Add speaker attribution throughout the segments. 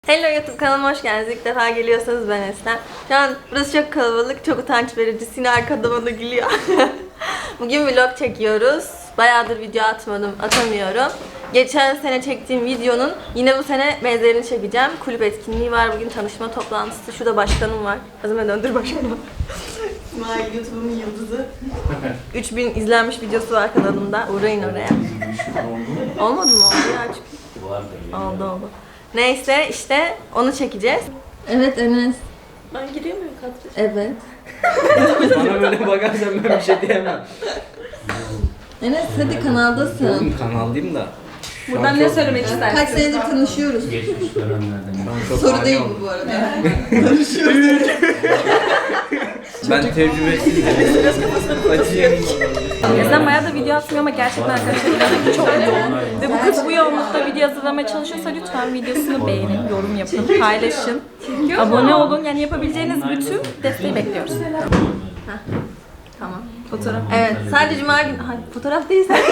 Speaker 1: Hello YouTube kanalıma hoş geldiniz. İlk defa geliyorsanız ben Eslem. Şu an burası çok kalabalık, çok utanç verici. Sine arkada bana gülüyor. Bugün vlog çekiyoruz. Bayağıdır video atamıyorum. Geçen sene çektiğim videonun yine bu sene benzerini çekeceğim. Kulüp etkinliği var, bugün tanışma toplantısı. Şurada başkanım var. Azime döndür başkanım. İsmail YouTube'un yıldızı. 3000 izlenmiş videosu var kanalımda. Uğrayın oraya. Olmadı mı? Oldu ya. Oldu. Neyse işte onu çekeceğiz. Evet Enes. Ben giriyor muyum kadraja? Evet.
Speaker 2: Bana böyle bakarsan ben bir şey diyemem.
Speaker 1: Enes hadi kanaldasın.
Speaker 2: Oğlum kanaldayım da.
Speaker 3: Buradan ne söylemek istersin?
Speaker 1: Kaç senedir tanışıyoruz.
Speaker 4: Geçmiş dönemlerden.
Speaker 1: Soru değil bu arada.
Speaker 2: Ben tecrübesizim. Acıyım.
Speaker 3: Bizden bayağı da video atmıyor ama gerçekten arkadaşlar inanın çok yoğun. Ve bu kız bu yoğunlukta video hazırlamaya çalışıyorsa lütfen videosunu beğenin, yorum yapın, paylaşın, abone olun. Yani yapabileceğiniz bütün desteği bekliyoruz.
Speaker 1: Tamam. Fotoğraf. Evet. Sadece cuma günü. Hayır, fotoğraf değil sen.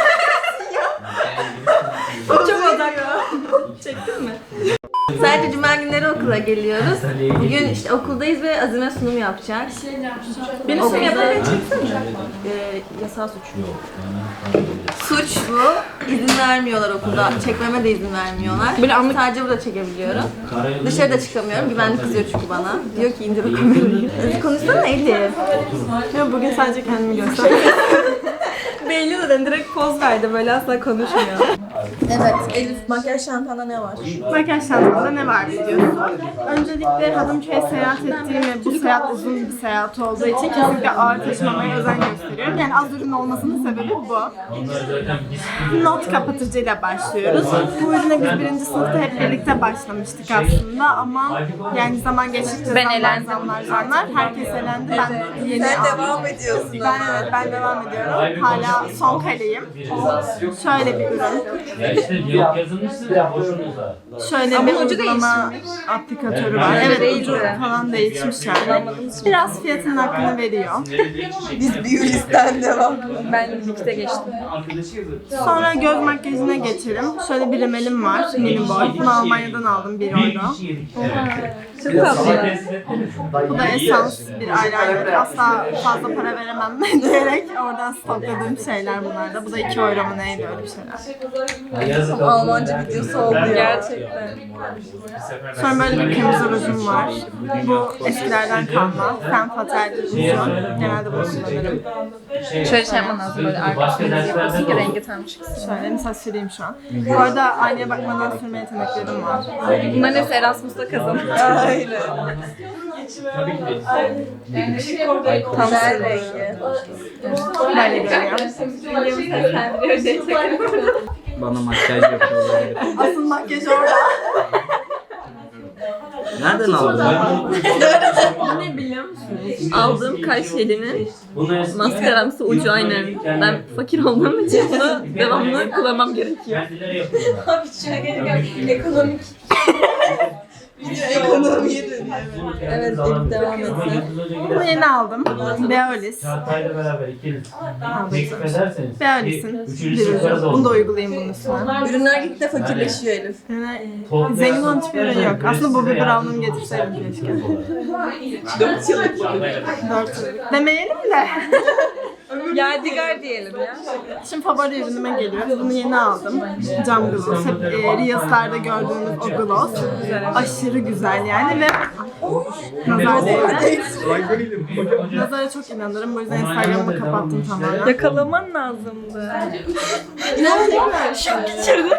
Speaker 3: Çok odaklı. Çektin mi?
Speaker 1: Sadece cuma günleri okula geliyoruz. Bugün işte okuldayız ve Azime sunum yapacak.
Speaker 3: Beni sunum yaparken çeksene.
Speaker 1: Yasal suç. Suç bu. İzin vermiyorlar okulda. Çekmeme de izin vermiyorlar.
Speaker 3: Böyle anlık-
Speaker 1: Sadece burada çekebiliyorum. Dışarıda çıkamıyorum. Güvenlik kızıyor çünkü bana. Diyor ki indir o kamerayı. Konuşsana Elif.
Speaker 3: Ya bugün sadece kendimi göster. Belli zaten direkt poz verdi böyle asla konuşmuyor.
Speaker 1: Evet. Elif makyaj çantanda ne var?
Speaker 5: Makyaj çantamda ne var biliyorsun? Öncelikle Hadımköy'e seyahat ettiğim ve bu seyahat uzun bir seyahat olduğu için kesinlikle ağır taşımamaya özen gösteriyorum. Yani az ürün olmasının sebebi bu. Not kapatıcıyla başlıyoruz. Bu ürüne biz birinci sınıfta hep birlikte başlamıştık aslında ama yani zaman geçtikçe zamlar herkes elendi. Ben yeni
Speaker 1: Devam ediyorsun.
Speaker 5: Ben devam ediyorum. Hala son kaleyim. Şöyle bir ürün.
Speaker 4: Ya işte yok yazılmışsın ya boşunuza.
Speaker 5: Şöyle bir uygulama aplikatörü var. Evet, ucu falan değişmiş yani. Biraz fiyatının hakkını veriyor.
Speaker 1: Biz Biyolist'ten devam.
Speaker 3: Ben birlikte geçtim.
Speaker 5: Sonra göz makyajına geçelim. Şöyle bir rimelim var, mini boy. Bunu Almanya'dan aldım, 1 euro.
Speaker 3: Çok tatlı.
Speaker 5: Bu da Essence bir eyeliner. Asla fazla para veremem diyerek oradan stokladığım şeyler bunlar da. Bu da 2 euro mu neydi öyle bir şeyler.
Speaker 1: Almanca videosu oldu ya.
Speaker 3: Gerçekten.
Speaker 5: Sonra böyle bir kırmızı rujum var. Bu eskilerden kalma. Femme Fatale ruju. Genelde bunu kullanırım.
Speaker 3: Şöyle şey yapman lazım böyle arkasını yapıyorsun ki rengi tam çıksın.
Speaker 5: Şöyle mesela süreyim şu an. Bu arada aynaya bakmadan sürme yeteneklerim var.
Speaker 3: Bunların hepsi Erasmus'ta kazanıyor.
Speaker 1: Aynen.
Speaker 3: Tam
Speaker 1: Güzel rengi.
Speaker 5: Böyle görünüyor.
Speaker 2: Bana makyaj yapıyorlar.
Speaker 5: Asıl makyaj orada.
Speaker 2: Nereden aldın?
Speaker 3: Ne biliyor musunuz? Aldığım kaş jelinin maskaramsı ucu aynen. Ben fakir olduğum için bunu devamlı kullanmam gerekiyor.
Speaker 1: Abi şuna gelirken ekonomik. Ekonomiye dönüyor. Evet, Elif devam etsin.
Speaker 5: Bunu yeni aldım. Beolis.
Speaker 4: Çağatay'la beraber ikiniz teklif ederseniz.
Speaker 5: Beolis'in bir ürünü. Bunu da uygulayayım bunun üstüne.
Speaker 1: Ürünler gittikçe fakirleşiyor Elif.
Speaker 5: Yani zengin olan hiçbir ürün yok. Aslında bu bir Brown'unu getirseydim keşke.
Speaker 1: 4 yıllık.
Speaker 5: 4 yıllık. Demeyelim de.
Speaker 3: Yadigar diyelim ya.
Speaker 5: Şimdi favori ürünüme geliyoruz. Bunu yeni aldım. Cam gloss. Hep Reels'larda gördüğünüz o gloss. Aşırı güzel yani ve nazar değdi. Nazara çok inanırım. Bu yüzden Instagram'ı kapattım tamamen.
Speaker 3: Yakalaman lazımdı.
Speaker 1: İnanmıyorum. Şok geçirdim.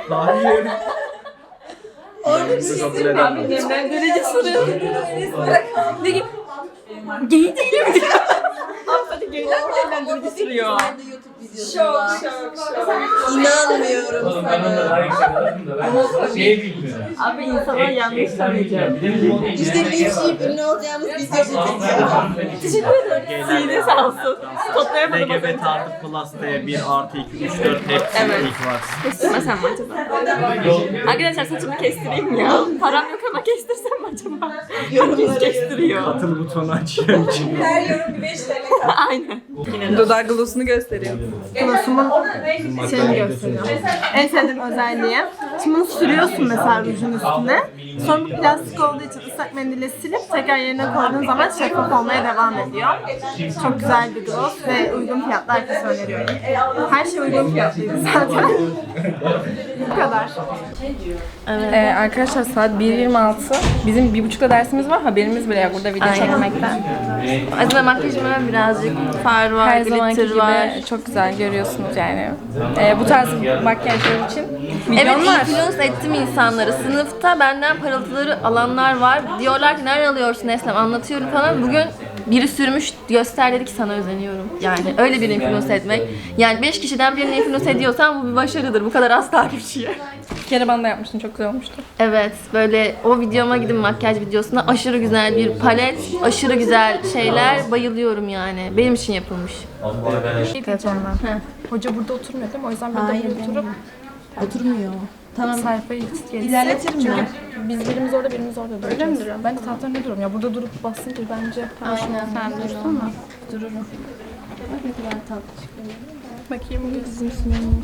Speaker 1: Orada bir şey söyleyeyim.
Speaker 3: Ben derece soruyorum. Ne gibi? Gay değilim diyor. Hadi gayler mi evlendirici sürüyor?
Speaker 1: Şok. İnanmıyorum sana.
Speaker 4: Şey bilmiyorum.
Speaker 3: Abi insanlar yanlış tanıyacak.
Speaker 1: İşte linçleyip ünlü olacağımız video çekeceğim.
Speaker 3: Teşekkür ederim. Sihri sağ olsun. Toplayamadım az önce.
Speaker 6: LGBT artı plus diye 1 artı 2, 3, 4 hepsi
Speaker 3: Evet.
Speaker 6: ilk var.
Speaker 3: Kestirmesem mi acaba? Arkadaşlar saçımı kestireyim ya. Param yok ama kestirsem mi acaba? Herkes kestiriyor.
Speaker 6: Katıl butonu açıyorum için.
Speaker 1: Her yorum bir 5 TL.
Speaker 3: Aynen. Dudak glossunu gösteriyor.
Speaker 5: Glossumun şeyini gösteriyor. En sevdiğim özelliği Şimdi bunu sürüyorsun mesela rujun üstüne. Sonra bu plastik olduğu için ıslak mendille silip tekrar yerine koyduğun zaman şeffaf olmaya devam ediyor. Çok güzel bir gloss ve uygun fiyatlı, herkese öneriyorum. Her şey uygun fiyatlıydı zaten. Bu kadar.
Speaker 3: Arkadaşlar saat 1.26. Bizim 1.30'da dersimiz var. Haberimiz bile yok burada video çekmekten.
Speaker 1: Azime makyajıma birazcık far var,
Speaker 3: Her zamanki
Speaker 1: glitter
Speaker 3: gibi
Speaker 1: var.
Speaker 3: çok güzel görüyorsunuz yani. Bu tarz makyajlar için
Speaker 1: Evet,
Speaker 3: milyon var.
Speaker 1: influence ettim insanları. Sınıfta benden parıltıları alanlar var. Diyorlar ki nereden alıyorsun Eslem, anlatıyorum falan. Bugün biri sürmüş, göster dedi ki sana özeniyorum. Yani öyle bir influence etmek. Yani 5 kişiden birini influence ediyorsan bu bir başarıdır. Bu kadar az takipçiye.
Speaker 3: Bir kere bana da yapmıştın, çok güzel olmuştu.
Speaker 1: Evet, böyle o videoma gidin, makyaj videosuna. Aşırı güzel bir palet, aşırı güzel şeyler. Bayılıyorum yani. Benim için yapılmış.
Speaker 3: Telefondan. Hoca burada oturmuyor değil mi? O yüzden burada oturup
Speaker 7: Oturmuyor. Tamam.
Speaker 3: sayfayı
Speaker 7: İlerletirim ben.
Speaker 3: Çünkü biz birimiz orada duracağız. Öyle mi duruyorum? Ben de tahtanın ne duruyorum ya? Burada durup basınca bence.
Speaker 1: Aynen.
Speaker 3: Sen dursana.
Speaker 7: Dururum. Bak ne kadar tatlı çıkıyor.
Speaker 3: Bakayım bu bizim sunumumuz.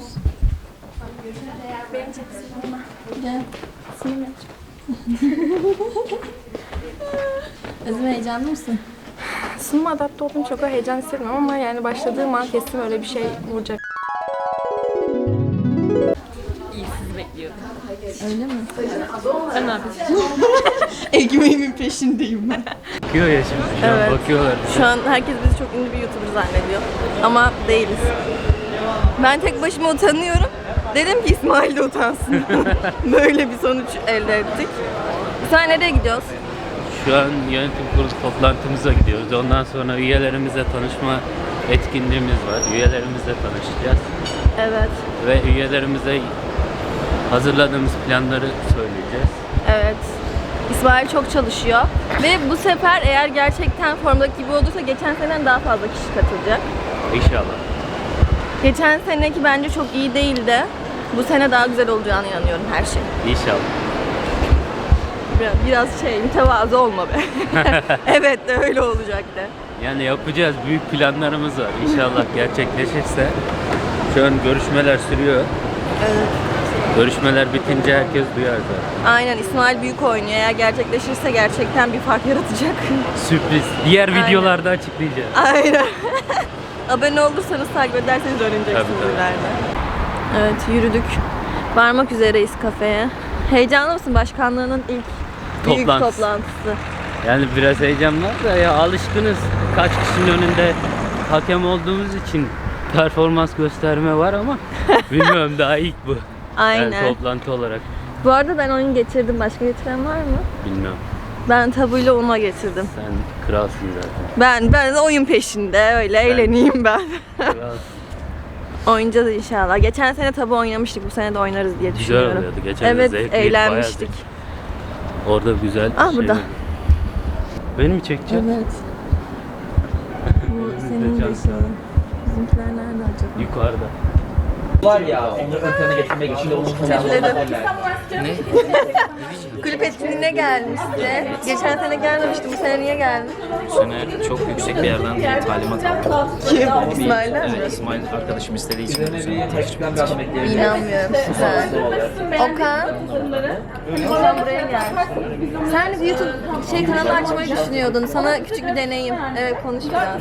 Speaker 7: Gel. Sinir Özüm heyecanlı mısın?
Speaker 3: Sunuma adapte olduğum çok da heyecan hissetmiyorum ama yani başladığım an kesin öyle bir şey vuracak. İyi, sizi bekliyorum.
Speaker 7: Öyle mi?
Speaker 3: Sen ne yapıyorsun?
Speaker 1: Ekmeğimin peşindeyim ben.
Speaker 2: Bakıyor ya şimdi. Şu an
Speaker 1: Evet.
Speaker 2: bakıyorlar.
Speaker 1: Şu an herkes bizi çok ünlü bir YouTuber zannediyor. Ama değiliz. Ben tek başıma utanıyorum. Dedim ki İsmail de utansın. Böyle bir sonuç elde ettik. Sen nereye gidiyoruz?
Speaker 8: Şu an yönetim kurulu toplantımıza gidiyoruz. Ondan sonra üyelerimizle tanışma etkinliğimiz var. Üyelerimizle tanışacağız.
Speaker 1: Evet.
Speaker 8: Ve üyelerimize hazırladığımız planları söyleyeceğiz.
Speaker 1: Evet. İsmail çok çalışıyor. Ve bu sefer eğer gerçekten formdaki gibi olursa geçen seneden daha fazla kişi katılacak.
Speaker 8: İnşallah.
Speaker 1: Geçen seneki bence çok iyi değildi. Bu sene daha güzel olacağına inanıyorum her şey.
Speaker 8: İnşallah.
Speaker 1: Biraz mütevazı olma be. Evet de öyle olacak de.
Speaker 8: Yani yapacağız. Büyük planlarımız var. İnşallah gerçekleşirse. Şu an görüşmeler sürüyor.
Speaker 1: Evet.
Speaker 8: Görüşmeler bitince herkes duyar zaten.
Speaker 1: Aynen, İsmail büyük oynuyor. Eğer gerçekleşirse gerçekten bir fark yaratacak.
Speaker 8: Sürpriz. Diğer
Speaker 1: Aynen.
Speaker 8: videolarda açıklayacağız.
Speaker 1: Aynen. Abone olursanız, takip ederseniz öğreneceksiniz
Speaker 8: Tabii, tabii.
Speaker 1: ileride. Evet, yürüdük. Varmak üzereyiz kafeye. Heyecanlı mısın? Başkanlığının ilk büyük
Speaker 8: Toplantısı.
Speaker 1: toplantısı.
Speaker 8: Yani biraz heyecan var da ya alışkınız. Kaç kişinin önünde hakem olduğumuz için performans gösterme var ama bilmiyorum daha ilk bu.
Speaker 1: Aynen.
Speaker 8: Yani toplantı olarak
Speaker 1: Bu arada ben oyun getirdim. Başka getiren var mı?
Speaker 8: bilmiyorum.
Speaker 1: Ben tabuyla ona getirdim.
Speaker 8: Sen kralsın zaten.
Speaker 1: Ben de oyun peşinde, öyle eğleneyim ben.
Speaker 8: Kralsın.
Speaker 1: Oynayacağız inşallah. Geçen sene tabu oynamıştık. Bu sene de oynarız diye
Speaker 8: Güzel
Speaker 1: düşünüyorum.
Speaker 8: oluyordu. Geçen
Speaker 1: Evet,
Speaker 8: zevkliydi,
Speaker 1: eğlenmiştik.
Speaker 8: bayağı Orada güzel
Speaker 1: burada.
Speaker 8: var. Beni mi çekeceksin?
Speaker 7: Evet. Bu senin de işin. Bizimkiler nerede acaba?
Speaker 8: Yukarıda.
Speaker 2: Var ya, onları ön plana getirmek için de onun
Speaker 1: Kulüp etkinliğine gelmişti. Geçen sene gelmemişti. Bu sene niye geldin?
Speaker 6: Bu sene çok yüksek bir yerden bir talimat aldım.
Speaker 1: Kim? İsmail'den mi?
Speaker 6: Evet, İsmail arkadaşım istediği için bu sene tanışmak
Speaker 2: bir adam ekleyelim.
Speaker 1: İnanmıyorum. Güzel. Okan. Okan buraya gel. Sen bir YouTube kanalı açmayı düşünüyordun. Sana küçük bir deneyim. Evet, konuş biraz.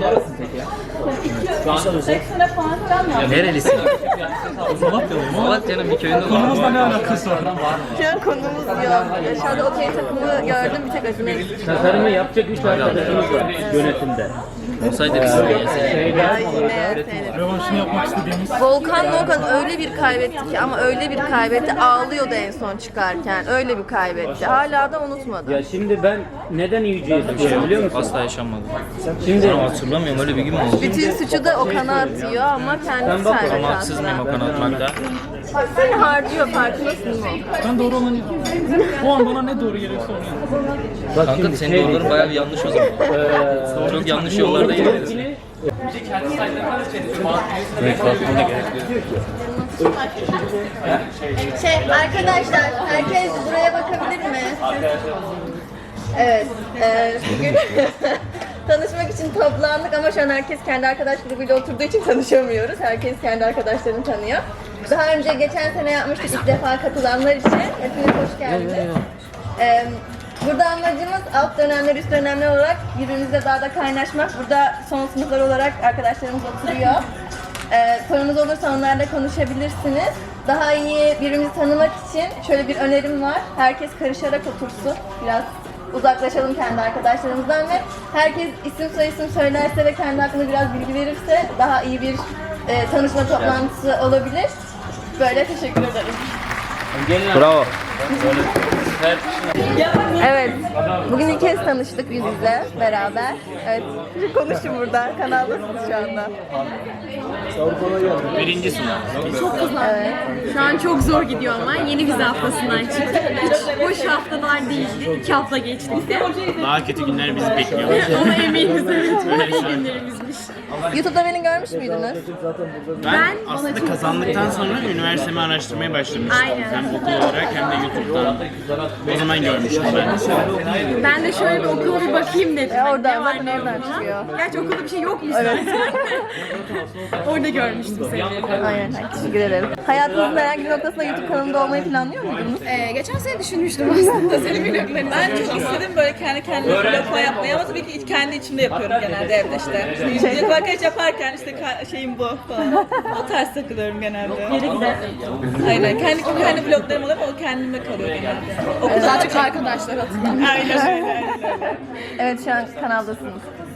Speaker 6: Nerelisin? Malatya'nın bir köyünde Konumuzla ne alakası var?
Speaker 1: Şu an konumuz yok. Aşağıda okey takımı gördüm. Bir tek Acun'u.
Speaker 8: Tasarımı yapacak 3 arkadaşımız var yönetimde.
Speaker 6: Olsaydı biz de
Speaker 1: Ya yine
Speaker 4: Rövanşını yapmak istediğimiz
Speaker 1: Volkan'la Okan öyle bir kaybetti ki, ama öyle bir kaybetti, ağlıyordu en son çıkarken. Öyle bir kaybetti. Hala da unutmadı.
Speaker 8: Ya şimdi ben neden Yüce'ye düşüyorum biliyor musun?
Speaker 6: asla yaşanmadı.
Speaker 8: Şimdi
Speaker 6: Ama hatırlamıyorum öyle bir gün mü oldu?
Speaker 1: Bütün suçu da Okan'a atıyor ama kendisi kaybetti
Speaker 6: Ama haksız mıyım
Speaker 1: aslında.
Speaker 6: Okan atmakta?
Speaker 1: Seni harcıyor, farkındasın mı?
Speaker 4: ben doğru olanı o an bana ne doğru geliyorsa onu yapıyorum.
Speaker 8: bak
Speaker 6: Kanka
Speaker 8: şimdi
Speaker 6: senin doğruların bayağı bir yanlış o zaman. Çok yanlış yollarda ilerliyorsun.
Speaker 8: Evet, bakmana gerek yok.
Speaker 1: Arkadaşlar, herkes buraya bakabilir mi? Evet, bugün tanışmak için toplandık ama şu an herkes kendi arkadaş grubuyla oturduğu için tanışamıyoruz. Herkes kendi arkadaşlarını tanıyor. Daha önce geçen sene yapmıştık ilk defa katılanlar için. Hepiniz hoş geldiniz. Burada amacımız alt dönemler, üst dönemler olarak birbirimizle daha da kaynaşmak. Burada son sınıflar olarak arkadaşlarımız oturuyor. Sorunuz olursa onlarla konuşabilirsiniz. Daha iyi birbirimizi tanımak için şöyle bir önerim var. Herkes karışarak otursun. Biraz uzaklaşalım kendi arkadaşlarımızdan ve herkes isim soyisim söylerse ve kendi hakkında biraz bilgi verirse daha iyi bir tanışma toplantısı olabilir. Böyle teşekkür ederim.
Speaker 2: Bravo.
Speaker 1: Evet, bugün ilk kez tanıştık yüz yüze beraber. Evet, şimdi konuşun burada, kanaldasınız şu anda.
Speaker 6: Birinci sınav.
Speaker 1: Evet.
Speaker 7: Şu an çok zor gidiyor ama yeni vize haftasından çıktık. Hiç boş haftalar değildi. 2 hafta geçtik de.
Speaker 6: Daha kötü günler bizi bekliyor.
Speaker 7: Ona eminiz, evet. Böyle günlerimizmiş.
Speaker 1: YouTube'da beni görmüş müydünüz?
Speaker 6: Ben aslında kazandıktan sonra üniversitemi araştırmaya başlamıştım.
Speaker 7: Aynen.
Speaker 6: Hem okul olarak hem de YouTube'dan. O zaman görmüştüm ben.
Speaker 7: Ben de şöyle bir okula bir bakayım dedim. Hani
Speaker 1: Oradan
Speaker 7: ne var
Speaker 1: zaten
Speaker 7: ne yok
Speaker 1: oradan
Speaker 7: falan.
Speaker 1: çıkıyor.
Speaker 7: Gerçi okulda bir şey yokmuş zaten. Orada görmüştüm seni.
Speaker 1: Aynen, teşekkür ederim. Hayatınızın herhangi bir noktasında YouTube kanalında olmayı planlıyor muydunuz?
Speaker 7: Geçen sene düşünmüştüm aslında senin vloglarını.
Speaker 9: Ben çok istedim böyle kendi kendime vlogla yapmayı ama tabii ki kendi içimde yapıyorum genelde evde işte. Vlog makyaj yaparken işte şeyim bu falan. O tarz takılıyorum genelde.
Speaker 7: Yere gider.
Speaker 9: Aynen. Kendi vloglarım oluyor ama o kendime kalıyor genelde. O
Speaker 7: Daha çok arkadaşlar hatırlamıyor.
Speaker 9: aynen öyle.
Speaker 1: Evet, şu an kanaldasınız.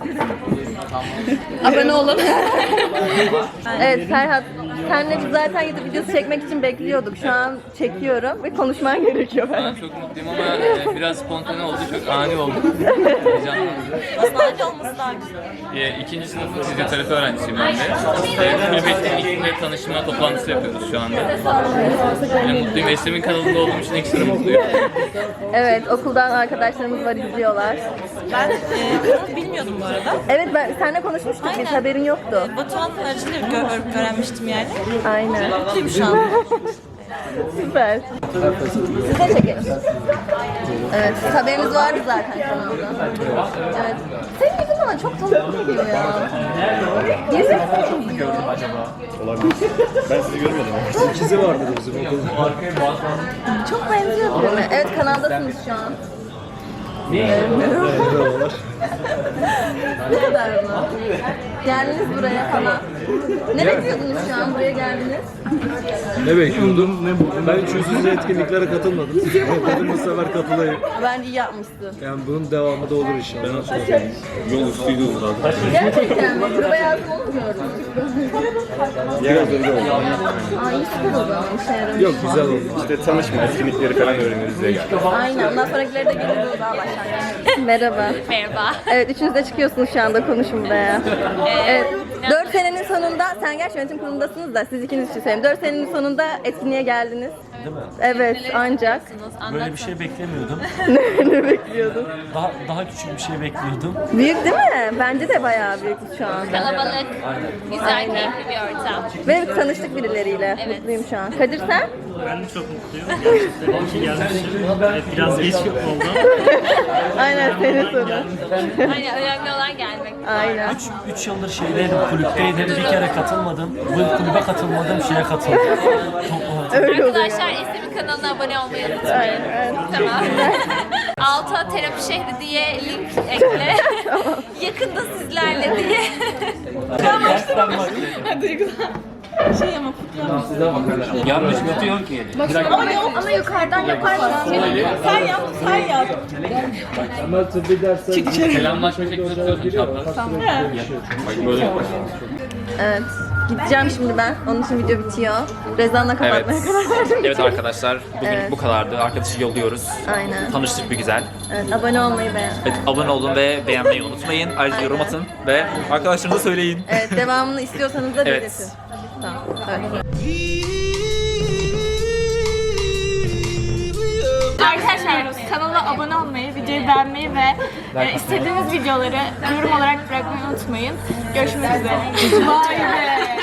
Speaker 7: Abone olun.
Speaker 1: Evet Ferhat, senle biz zaten YouTube videosu çekmek için bekliyorduk. Şu an çekiyorum ve konuşman gerekiyor
Speaker 10: Ben
Speaker 1: Ferhat.
Speaker 10: çok mutluyum ama biraz spontane oldu, çok ani oldu. Heyecanlıyım.
Speaker 9: Aslında aynı olması daha güzel.
Speaker 10: İkinci sınıf fizyoterapi öğrencisiyim ben de. Kulüp etkinlikle tanışma toplantısı yapıyoruz şu anda. Yani mutluyum. Eslem'in kanalında olduğum için ekstra mutluyum.
Speaker 1: Evet, okuldan arkadaşlarımız var, izliyorlar.
Speaker 9: Ben kanalı bilmiyordum bu arada.
Speaker 1: Evet, ben seninle konuşmuştuk, biz haberin yoktu.
Speaker 9: Batuhan aracılığıyla öğrenmiştim yani.
Speaker 1: Aynen.
Speaker 9: Mutluyum şu an.
Speaker 1: Süper. Siz de çekelim. Evet, haberiniz vardı zaten kanalda. Evet. Senin yüzün bana çok tanıdık geliyor ya. Birisi mi benziyor?
Speaker 2: Ben sizi görmedim. İkizi vardı bizim okulda.
Speaker 1: Çok benziyor birine. Evet, kanaldasınız şu an. Ne kadar mı? Geldiniz buraya falan. Ne bekliyordunuz şu an? Buraya geldiniz.
Speaker 2: Ne bekliyordum? Ne buldum? Ben hiç yüz yüze etkinliklere katılmadım. Dedim bu sefer katılayım.
Speaker 1: Bence iyi yapmışsın.
Speaker 2: Yani bunun devamı da olur inşallah. Ben nasıl yapayım? Yol üstüydü zaten.
Speaker 1: Gerçekten mi? Prova yazdım onu mu gördün?
Speaker 2: Biraz önce oldu.
Speaker 1: Aa, iyi süper o zaman. İşe yaramış.
Speaker 2: Yok güzel oldu. İşte tanışma etkinlikleri falan öğreniyoruz diye geldik.
Speaker 1: Aynen. Ondan sonrakileri de gelir daha başlangıç. Merhaba.
Speaker 7: Merhaba.
Speaker 1: Evet, üçünüz de çıkıyorsunuz şu anda, konuşun buraya. Evet, 4 senenin sonunda, sen gerçi yönetim kurulundasınız da siz ikiniz için söyleyeyim. 4 senenin sonunda etkinliğe geldiniz.
Speaker 11: Değil mi?
Speaker 1: Evet, ancak.
Speaker 11: Böyle bir şey beklemiyordum.
Speaker 1: Ne bekliyordun?
Speaker 11: Daha küçük bir şey bekliyordum.
Speaker 1: Büyük değil mi? Bence de bayağı büyük şu anda.
Speaker 7: Kalabalık, güzel, keyifli bir ortam.
Speaker 1: Ve tanıştık birileriyle. Mutluyum şu an. Kadir sen?
Speaker 4: Ben de çok mutluyum. Gerçekten iyi ki gelmişim. Evet, biraz geç oldu.
Speaker 1: Aynen, senin sorun.
Speaker 7: Aynen, önemli olan gelmek.
Speaker 1: Aynen.
Speaker 11: 3 yıldır şeydeydim, kulüpteydim. Bir kere katılmadım. Bu kulübe katılmadım, şeye katıldım.
Speaker 1: Öyle oluyor.
Speaker 7: Arkadaşlar Eslem'in kanalına abone olmayı unutmayın.
Speaker 1: Aynen.
Speaker 7: Tamam. Alta terapi şehri diye link ekle. Yakında sizlerle diye.
Speaker 9: Şey ama
Speaker 10: Yanlış tutuyor ki.
Speaker 7: Ama yukarıdan yaparsın.
Speaker 9: sen yap, sen yap.
Speaker 2: Ama tıbbi dersler...
Speaker 10: Selamlaşma şekli tutuyorsun şaptan. Tamam. Bak böyle yapıyorsun.
Speaker 1: Evet. Gideceğim şimdi ben. Onun için video bitiyor. Rezan'la kapatmaya karar verdim.
Speaker 6: Evet arkadaşlar, bugün
Speaker 1: Evet.
Speaker 6: bu kadardı. Arkadaşı yolluyoruz.
Speaker 1: Aynen.
Speaker 6: Tanıştık bir güzel.
Speaker 1: Evet, abone olmayı beğen.
Speaker 6: Evet, abone olun ve beğenmeyi unutmayın. Ayrıca yorum atın ve arkadaşlarınıza söyleyin.
Speaker 1: Evet, devamını istiyorsanız da
Speaker 6: Evet.
Speaker 1: belirtin. Tamam. Evet.
Speaker 3: Arkadaşlar kanala abone olmayı, videoyu beğenmeyi ve istediğiniz videoları yorum olarak bırakmayı unutmayın. Görüşmek üzere. Vay be!